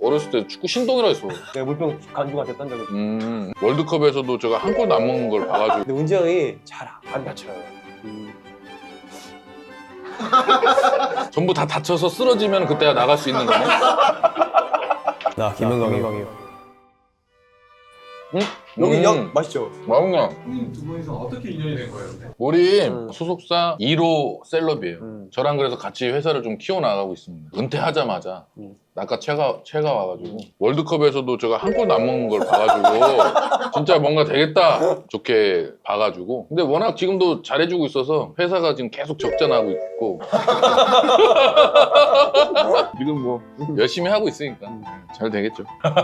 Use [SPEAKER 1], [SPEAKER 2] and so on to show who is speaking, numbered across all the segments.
[SPEAKER 1] 어렸을 때 축구 신동이라 했어.
[SPEAKER 2] 내가 물병 관중한테 던 적이 있어.
[SPEAKER 1] 월드컵에서도 제가 한 골도 안 먹는 걸 봐가지고.
[SPEAKER 2] 근데 운지 형이 잘 안 다쳐요.
[SPEAKER 1] 전부 다 다쳐서 쓰러지면 그때야 나갈 수 있는 거네.
[SPEAKER 2] 나 김은광이요.
[SPEAKER 1] 응?
[SPEAKER 2] 여기 형 맛있죠?
[SPEAKER 1] 맛있네.
[SPEAKER 3] 형님 두 분이서 어떻게 인연이 된 거예요? 근데?
[SPEAKER 1] 우리 소속사 1호 셀럽이에요. 저랑 그래서 같이 회사를 좀 키워나가고 있습니다. 은퇴하자마자 아까 채가 와가지고 월드컵에서도 제가 한 골도 안 먹는 걸 봐가지고 진짜 뭔가 되겠다 좋게 봐가지고. 근데 워낙 지금도 잘해주고 있어서 회사가 지금 계속 적자나고 있고 지금 뭐 열심히 하고 있으니까 잘 되겠죠.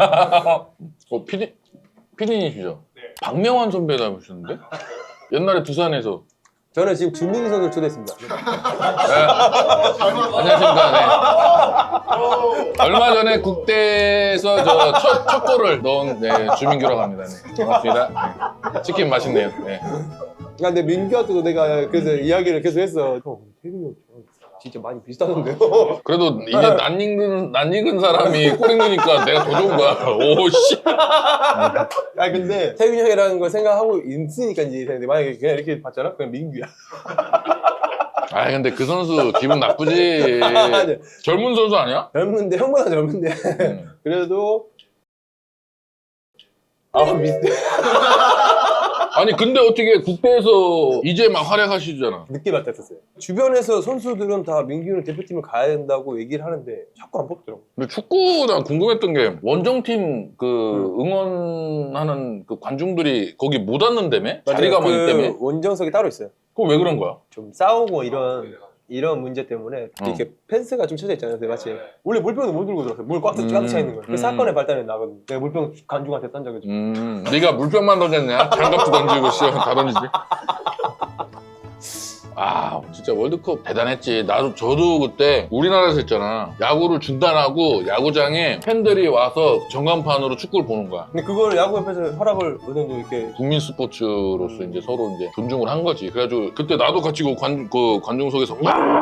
[SPEAKER 1] 피디님이시죠?
[SPEAKER 3] 네.
[SPEAKER 1] 박명환 선배 닮으셨는데? 옛날에 두산에서.
[SPEAKER 2] 저는 지금 주민기 선수를 초대했습니다.
[SPEAKER 1] 안녕하십니까. 네. 얼마 전에 국대에서 첫 골을 넣은 주민규라고 합니다. 네. 반갑습니다. 네. 치킨 맛있네요. 네.
[SPEAKER 2] 야, 근데 민규한테도 내가 그래서 이야기를 계속 했어. 형, 태균이 형 진짜 많이 비슷하던데요?
[SPEAKER 1] 그래도 이제 낯익은 사람이 골 넣으니까 내가 더 좋은 거야. 오씨.
[SPEAKER 2] 아 근데 태균이 형이라는 걸 생각하고 있으니까 이제 근데 만약에 그냥 이렇게 봤잖아? 그냥 민규야.
[SPEAKER 1] 아 근데 그 선수 기분 나쁘지. 젊은 선수 아니야?
[SPEAKER 2] 젊은데 형보다 젊은데 그래도 아 비슷해.
[SPEAKER 1] 아니 근데 어떻게 국대에서 이제 막 활약하시잖아.
[SPEAKER 2] 늦게 발탁했어요. 주변에서 선수들은 다 민규는 대표팀을 가야 된다고 얘기를 하는데 자꾸 안 뽑더라고.
[SPEAKER 1] 근데 축구 난 궁금했던 게 원정팀 그 응원하는 그 관중들이 거기 못 왔는다며? 자리가 많기 때문에?
[SPEAKER 2] 원정석이 따로 있어요.
[SPEAKER 1] 그거 왜 그런 거야?
[SPEAKER 2] 좀 싸우고 이런 문제 때문에 이렇게 펜스가 좀 쳐져 있잖아요. 마치 원래 물병도 못 들고 들어왔어요. 물 꽉 차 있는 거예요. 그 사건의 발단이 나거든. 내가 물병 관중한테 던 적이 있어.
[SPEAKER 1] 네가 물병만 던졌냐? 장갑도 던지고 다 던지지. 아 진짜 월드컵 대단했지. 저도 그때 우리나라에서 했잖아. 야구를 중단하고 야구장에 팬들이 와서 전광판으로 축구를 보는 거야.
[SPEAKER 2] 근데 그걸 야구협회에서 허락을 어느 정도 이렇게
[SPEAKER 1] 국민 스포츠로서 이제 서로 이제 존중을 한 거지. 그래가지고 그때 나도 같이 그 관중석에서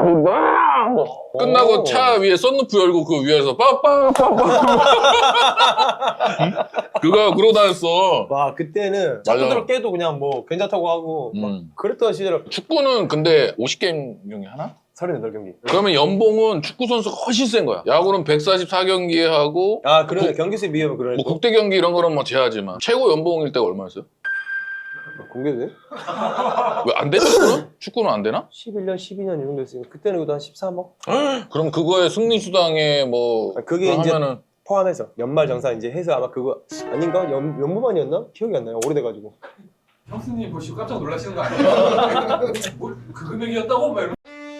[SPEAKER 1] 끝나고 차 위에 썬루프 열고 그 위에서 그거 그러고 다녔어.
[SPEAKER 2] 와 그때는
[SPEAKER 1] 맞아.
[SPEAKER 2] 자꾸대로 깨도 그냥 뭐 괜찮다고 하고 막 그랬던 시절.
[SPEAKER 1] 축구는 근데 50게임 하나?
[SPEAKER 2] 38경기.
[SPEAKER 1] 그러면 연봉은 축구 선수가 훨씬 센 거야. 야구는 144경기에 하고
[SPEAKER 2] 아 그러네. 경기수에 비하면 그러네.
[SPEAKER 1] 뭐 국대 경기 이런 거는 뭐 제하지만 최고 연봉일 때가 얼마였어요?
[SPEAKER 2] 공개돼?
[SPEAKER 1] 왜 안 되나? 축구는? 축구는 안 되나?
[SPEAKER 2] 11년, 12년 이 정도 했으니까 그때는 그래도 한 13억?
[SPEAKER 1] 그럼 그거에 승리수당에 뭐
[SPEAKER 2] 그게 이제
[SPEAKER 1] 하면은
[SPEAKER 2] 포함해서 연말 정산 이제 해서 아마 그거 아닌가? 연무만이었나? 기억이 안 나요. 오래돼가지고.
[SPEAKER 3] 형수님 보시고 깜짝 놀라시는 거 아니에요? 뭐, 그 금액이었다고? 막 이러면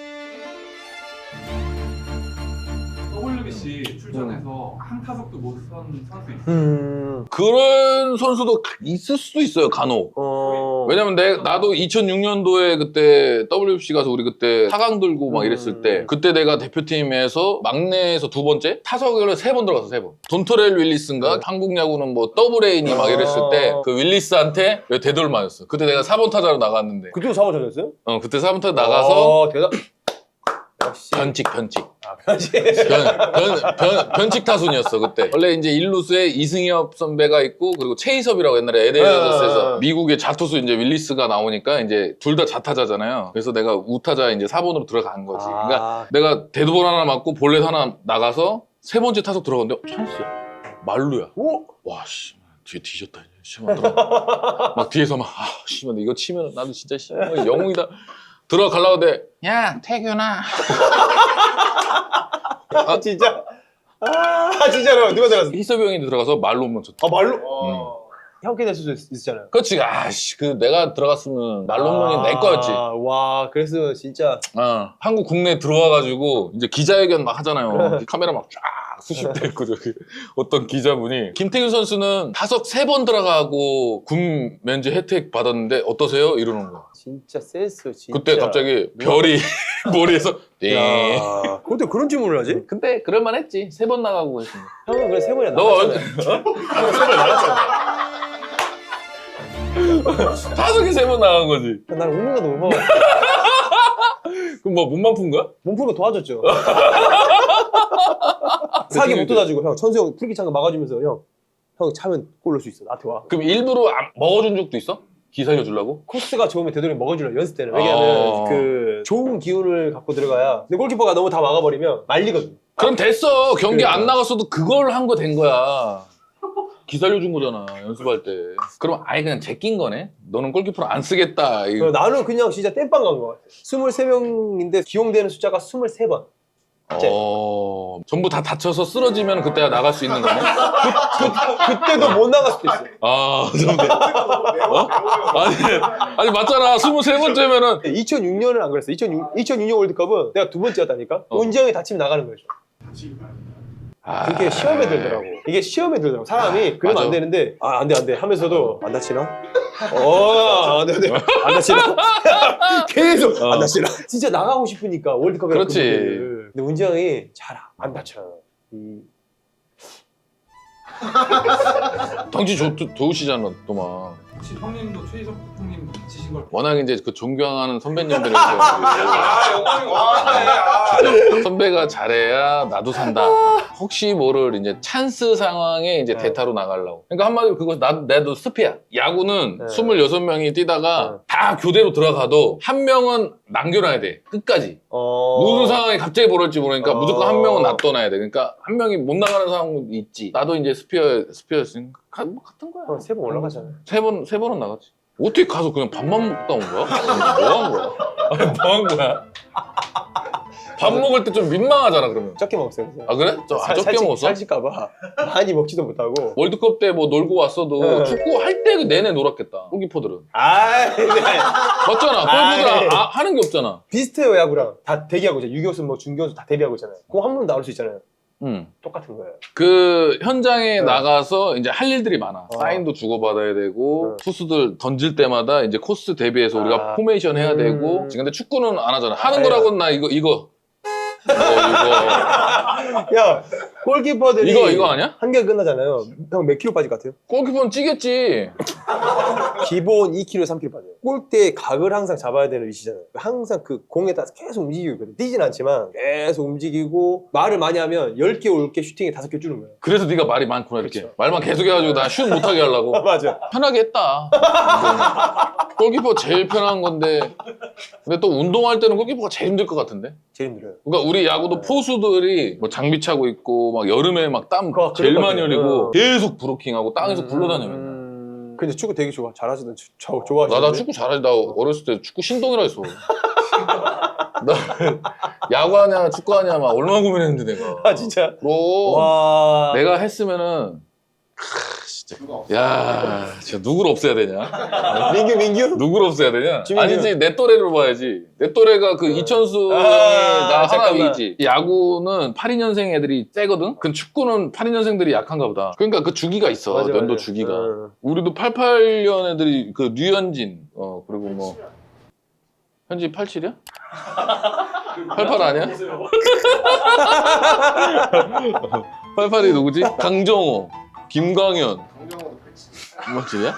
[SPEAKER 3] WBC 출전해서 한 타석도 못 선 선수 있어요.
[SPEAKER 1] 그런 선수도 있을 수도 있어요 간혹. 왜냐면 나도 2006년도에 그때 WBC 가서 우리 그때 4강 들고 막 이랬을 때 그때 내가 대표팀에서 막내에서 두 번째 타석을 3번 들어가서 3번. 돈토렐 윌리스인가 한국 야구는 뭐 더블레인이 막 이랬을 때 그 윌리스한테 되돌 맞았어. 그때 내가 4번 타자로 나갔는데
[SPEAKER 2] 그때도 4번 찾았어요?
[SPEAKER 1] 그때 4번 타자 나가서
[SPEAKER 2] 대단. 역시.
[SPEAKER 1] 변칙
[SPEAKER 2] 아, 변칙.
[SPEAKER 1] 변칙 타순이었어 그때. 원래 이제 일루수에 이승엽 선배가 있고 그리고 최희섭이라고 옛날에 LA에서 미국의 자투수 이제 윌리스가 나오니까 이제 둘 다 자타자잖아요. 그래서 내가 우타자 이제 4번으로 들어간 거지. 그러니까 내가 데드볼 하나 맞고 볼넷 하나 나가서 3번째 타석 들어갔는데 찬스야. 말루야.
[SPEAKER 2] 오?
[SPEAKER 1] 와 씨. 뒤에 뒤졌다 이제 심하더라. 막 뒤에서 막 씨발 이거 치면 나도 진짜 영웅이다. 들어가려고 해. 야 태균아.
[SPEAKER 2] 아 진짜? 아 진짜로 누가 들어갔어?
[SPEAKER 1] 희섭이 형이 들어가서 말로 한번 쳤다.
[SPEAKER 2] 아 말로? 형께 될 수도 있었잖아요.
[SPEAKER 1] 그렇지. 아씨 그 내가 들어갔으면 말로 홈런이 내 거였지.
[SPEAKER 2] 와 그래서 진짜
[SPEAKER 1] 한국 국내에 들어와가지고 이제 기자회견 막 하잖아요. 카메라 막 쫙 수십대 있고 저기 어떤 기자분이 김태균 선수는 타석 3번 들어가고 군 면제 혜택 받았는데 어떠세요? 이러는 거야.
[SPEAKER 2] 진짜 센스 진짜.
[SPEAKER 1] 그때 갑자기 별이 머리에서 띵.
[SPEAKER 2] 근데 그런 질문을 하지?
[SPEAKER 1] 근데 그럴만했지. 3번 나가고 했으면.
[SPEAKER 2] 형은 그래 3번이나
[SPEAKER 1] 너
[SPEAKER 2] 나갔잖아요. 형은 3번 나갔잖아.
[SPEAKER 1] 타석에 3번 나간 거지.
[SPEAKER 2] 난 웃는 것도 못 먹어.
[SPEAKER 1] 그럼 뭐 몸만 푼 거야?
[SPEAKER 2] 몸 푸는 거 도와줬죠. 사기 못 뜯어주고 형 천수 형 프리킥 찬거 막아주면서 형 차면 골 넣을 수 있어 나한테 와.
[SPEAKER 1] 그럼 일부러 먹어준 적도 있어? 기 살려주려고?
[SPEAKER 2] 코스가 좋으면 되도록 먹어주려 연습 때는. 왜냐면 그 좋은 기운을 갖고 들어가야. 근데 골키퍼가 너무 다 막아버리면 말리거든.
[SPEAKER 1] 그럼 됐어. 경기
[SPEAKER 2] 그러니까.
[SPEAKER 1] 안 나갔어도 그걸 한 거 된 거야. 기 살려준 거잖아, 연습할 때. 그럼 아예 그냥 제낀 거네? 너는 골키퍼를 안 쓰겠다. 이거.
[SPEAKER 2] 나는 그냥 진짜 땜빵 간 거 같아. 23명인데 기용되는 숫자가 23번.
[SPEAKER 1] 전부 다 다쳐서 쓰러지면 그때야 나갈 수 있는 거네?
[SPEAKER 2] 그때도 못 나갈 수도 있어.
[SPEAKER 1] 아, 근데. 어? 아니, 맞잖아. 23번째면은.
[SPEAKER 2] 2006년은 안 그랬어. 2006년 월드컵은 내가 두 번째였다니까? 은지형이 다치면 나가는 거죠. 그게 시험에 들더라고. 이게 시험에 들더라고. 사람이 그러면
[SPEAKER 1] 맞아.
[SPEAKER 2] 안 되는데 안 돼 하면서도 안 다치나? 안 돼. 안 다치나? 계속 안 다치나? 진짜 나가고 싶으니까 월드컵에.
[SPEAKER 1] 그렇지.
[SPEAKER 2] 근데 은지 형이 잘 안 다쳐.
[SPEAKER 1] 덩치 좋으시잖아, 또 막.
[SPEAKER 3] 혹시 형님도 최희석 형님 다치신 걸
[SPEAKER 1] 워낙 이제 그 존경하는 선배님들에서
[SPEAKER 3] 영광이
[SPEAKER 1] 선배가 잘해야 나도 산다. 혹시 모를 이제 찬스 상황에 이제 대타로 나가려고. 그러니까 한마디로 그거 나도 스피야. 야구는
[SPEAKER 2] 네.
[SPEAKER 1] 26명이 뛰다가 다 교대로 들어가도 한 명은 남겨놔야 돼. 끝까지. 무슨 상황이 갑자기 벌어질지 모르니까 무조건 한 명은 놔둬놔야 돼. 그러니까 한 명이 못 나가는 상황도 있지. 나도 이제 스피어였으니까 같은 거야.
[SPEAKER 2] 3번 올라가잖아.
[SPEAKER 1] 세 번은 나갔지. 어떻게 가서 그냥 밥만 먹다 온 거야? 뭐 한 거야? 아니, 뭐 한 거야? 밥 먹을 때 좀 민망하잖아, 그러면.
[SPEAKER 2] 적게 먹었어요.
[SPEAKER 1] 아, 그래? 적게 먹었어?
[SPEAKER 2] 살찔까봐 많이 먹지도 못하고.
[SPEAKER 1] 월드컵 때 뭐 놀고 왔어도
[SPEAKER 2] 네.
[SPEAKER 1] 축구 할 때 내내 놀았겠다. 골키퍼들은.
[SPEAKER 2] 네.
[SPEAKER 1] 맞잖아. 골키퍼들 하는 게 없잖아.
[SPEAKER 2] 비슷해요, 야구랑. 다 대기하고 있잖아요. 유교수, 중교수 다 대기하고 있잖아요. 공 한 번 나올 수 있잖아요. 똑같은 거예요.
[SPEAKER 1] 그 현장에 나가서 이제 할 일들이 많아. 사인도 주고받아야 되고 투수들 던질 때마다 이제 코스 대비해서 우리가 포메이션 해야 되고. 근데 축구는 안 하잖아. 하는 거라고는 나 이거.
[SPEAKER 2] 야, 골키퍼들이
[SPEAKER 1] 이거 아니야?
[SPEAKER 2] 한 개 끝나잖아요. 형 몇 킬로 빠질 것 같아요?
[SPEAKER 1] 골키퍼는 찌겠지.
[SPEAKER 2] 기본 2kg, 3kg 빠져요. 골대의 각을 항상 잡아야 되는 위치잖아요. 항상 그 공에 따라서 계속 움직이고 있거든. 뛰진 않지만 계속 움직이고 말을 많이 하면 10개 올 게 슈팅에 5개 주는 거예요.
[SPEAKER 1] 그래서 네가 말이 많구나 이렇게.
[SPEAKER 2] 그렇죠.
[SPEAKER 1] 말만 계속 해가지고 나 슛 못하게 하려고.
[SPEAKER 2] 맞아.
[SPEAKER 1] 편하게 했다. 골키퍼 제일 편한 건데 근데 또 운동할 때는 골키퍼가 제일 힘들 것 같은데?
[SPEAKER 2] 제일 힘들어요.
[SPEAKER 1] 그러니까 우리 야구도 포수들이 뭐 장비 차고 있고 막 여름에 막 땀 제일 많이 흘리고 계속 브로킹하고 땅에서 굴러다녀 맨날.
[SPEAKER 2] 근데 축구 되게 잘하시던 좋아하시는데?
[SPEAKER 1] 나 축구 잘하지. 나 어렸을 때 축구 신동이라 했어. 나 야구하냐 축구하냐 막 얼마나 고민했는데 내가.
[SPEAKER 2] 아 진짜?
[SPEAKER 1] 그럼
[SPEAKER 2] 와.
[SPEAKER 1] 내가 했으면은 진짜 야 진짜 누구를 없애야 되냐?
[SPEAKER 2] 민규?
[SPEAKER 1] 누구를 없애야 되냐?
[SPEAKER 2] 지민이
[SPEAKER 1] 아니지 내 또래로 봐야지. 내 또래가 그 이천수 형이 나 하나
[SPEAKER 2] 잠깐만.
[SPEAKER 1] 위지. 야구는 82년생 애들이 세거든? 그 축구는 82년생들이 약한가 보다. 그러니까 그 주기가 있어.
[SPEAKER 2] 맞아,
[SPEAKER 1] 연도
[SPEAKER 2] 맞아.
[SPEAKER 1] 주기가. 우리도 88년 애들이 그 류현진 그리고 뭐 현진 87이야? 88 아니야? 88이 누구지? 강정호, 김광현.
[SPEAKER 3] 강정호도 그렇지.
[SPEAKER 1] 맞지냐?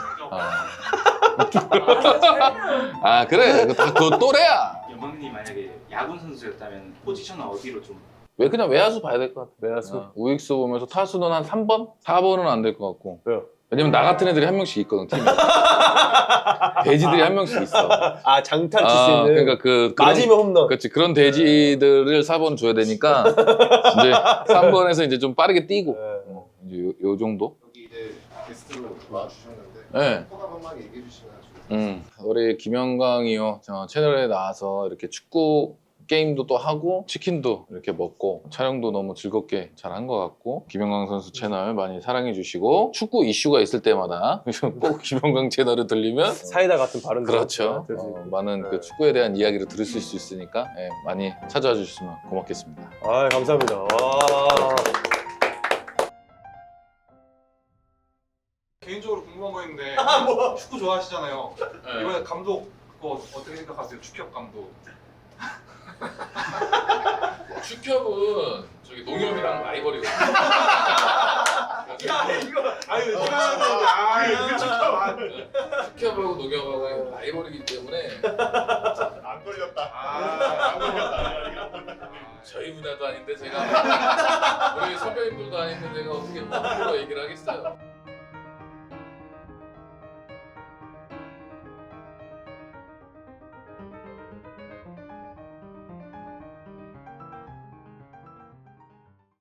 [SPEAKER 1] 아 그래 그 또래야.
[SPEAKER 4] 영광님 만약에 야구 선수였다면 포지션은 어디로 좀?
[SPEAKER 1] 왜 그냥 외야수 봐야 될 것 같아.
[SPEAKER 2] 외야수?
[SPEAKER 1] 우익수 보면서 타수는 한 3번? 4번은 안 될 것 같고.
[SPEAKER 2] 왜요?
[SPEAKER 1] 왜냐면 나 같은 애들이 한 명씩 있거든 팀에. 돼지들이 한 명씩 있어.
[SPEAKER 2] 아 장탄 칠 수 있는.
[SPEAKER 1] 그러니까 그런,
[SPEAKER 2] 맞으면 홈런.
[SPEAKER 1] 그렇지 그런 돼지들을 4번 줘야 되니까 이제 3번에서 이제 좀 빠르게 뛰고 이제 요 정도.
[SPEAKER 5] 여기 이제 게스트로 와주셨는데
[SPEAKER 1] 네.
[SPEAKER 5] 소감 한마디 얘기해 주시면 좋겠습니다.
[SPEAKER 1] 우리 김영광이요 채널에 나와서 이렇게 축구 게임도 또 하고 치킨도 이렇게 먹고 촬영도 너무 즐겁게 잘 한 것 같고 김영광 선수 채널 많이 사랑해 주시고 축구 이슈가 있을 때마다 꼭 김영광 채널을 들리면
[SPEAKER 2] 사이다 같은 발언.
[SPEAKER 1] 그렇죠. 많은 그 축구에 대한 이야기를 들으실 수 있으니까 많이 찾아와 주시면 고맙겠습니다.
[SPEAKER 2] 아 감사합니다. 와.
[SPEAKER 3] 개인적으로 궁금한 거 있는데 축구 좋아하시잖아요. 이번에 감독 그거 어떻게 생각하세요? 축협 감독.
[SPEAKER 1] 축협은 저기 농협이랑 라이벌이거든요.
[SPEAKER 3] 아니 이거
[SPEAKER 1] 축협하고 농협하고 라이벌이기 때문에
[SPEAKER 5] 안 걸렸다.
[SPEAKER 3] 안 걸렸다.
[SPEAKER 1] 저희 분야도 아닌데 제가 우리 선배님들도 아닌데 내가 어떻게 뭐 프로 얘기를 하겠어요.